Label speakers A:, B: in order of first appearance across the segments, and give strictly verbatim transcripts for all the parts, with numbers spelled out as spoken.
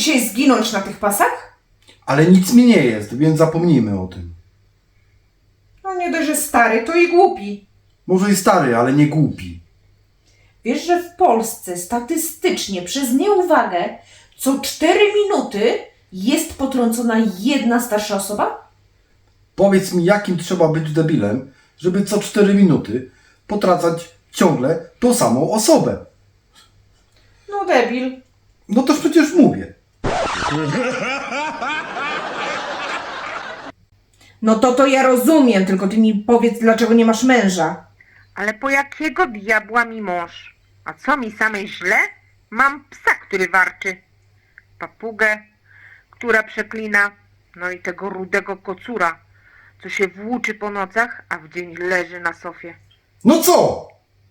A: dzisiaj zginąć na tych pasach?
B: Ale nic mi nie jest, więc zapomnijmy o tym.
A: No nie dość, że stary, to i głupi.
B: Może i stary, ale nie głupi.
A: Wiesz, że w Polsce statystycznie przez nieuwagę co cztery minuty jest potrącona jedna starsza osoba?
B: Powiedz mi, jakim trzeba być debilem, żeby co cztery minuty potracać ciągle tą samą osobę.
A: No debil.
B: No toż przecież mówię.
A: No to to ja rozumiem, tylko ty mi powiedz, dlaczego nie masz męża.
C: Ale po jakiego diabła mi mąż? A co mi samej źle? Mam psa, który warczy. Papugę, która przeklina. No i tego rudego kocura, co się włóczy po nocach, a w dzień leży na sofie.
B: No co?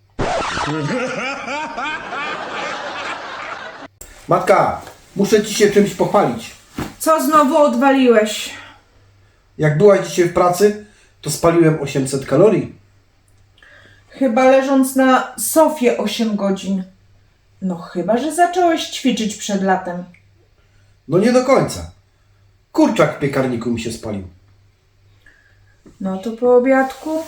B: Matka, muszę ci się czymś pochwalić.
A: Co znowu odwaliłeś?
B: Jak byłaś dzisiaj w pracy, to spaliłem osiemset kalorii.
A: Chyba leżąc na sofie osiem godzin. No chyba, że zacząłeś ćwiczyć przed latem.
B: No nie do końca. Kurczak w piekarniku mi się spalił.
A: No to po obiadku?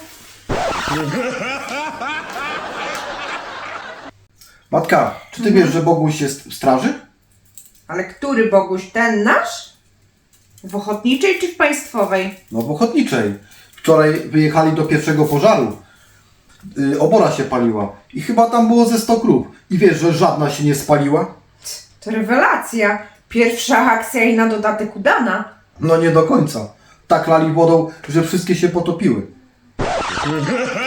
B: Matka, czy ty wiesz, że Boguś jest w straży?
A: Ale który Boguś? Ten nasz? W ochotniczej czy w państwowej?
B: No w ochotniczej. Wczoraj wyjechali do pierwszego pożaru. Yy, obora się paliła. I chyba tam było ze sto krów. I wiesz, że żadna się nie spaliła?
A: To rewelacja. Pierwsza akcja i na dodatek udana.
B: No nie do końca. Tak lali wodą, że wszystkie się potopiły.